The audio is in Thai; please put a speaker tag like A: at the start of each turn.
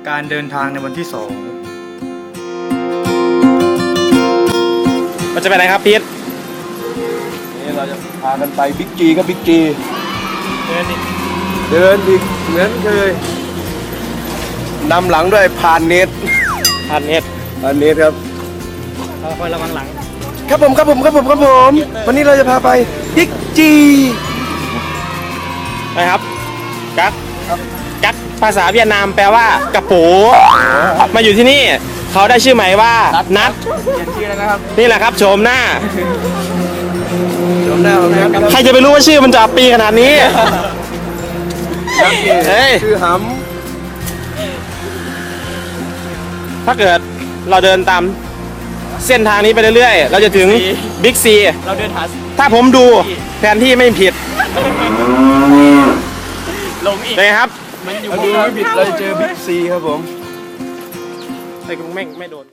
A: การเดินทางในวันที่2
B: มันจะไปไหนครับพีท
C: นี่เราจะพากันไปบิ๊กจีครับบิ๊กจี
A: เดินดิ
C: เดินอีกเหมือนเคยนำหลังด้วยพานเนต
B: ผ่านเน็ต
C: พานเนตครับ
A: คอยระวังหลัง
C: ครับผมวันนี้เราจะพาไปบิ๊กจี
B: นะครับกักกักภาษาเวียดนามแปลว่ากระปูมาอยู่ที่นี่เขาได้ชื่อใหม่ว่านัด
A: เปลี่ยนชื่อแล้วนะครับ
B: นี่แหละครับโฉมหน้า
C: จำได้ไหมครับ
B: ใครจะไปรู้ว่าชื่อมันจะอับปีขนาดนี้ เฮ้ย
C: ชื่อห
B: ถ้าเกิดเราเดินตามเส้นทางนี้ไปเรื่อยๆเราจะถึงบิ๊กซี
A: เราเดินหา
B: ถ้าผมดูแผนที่ไม่ผิด
A: ลงอีก
B: เลยครับ
A: มันอยู่
C: ำดูไม่ผิดเราจะเจอบิ๊กซีครับผม
B: ไอ้กูไม่โดน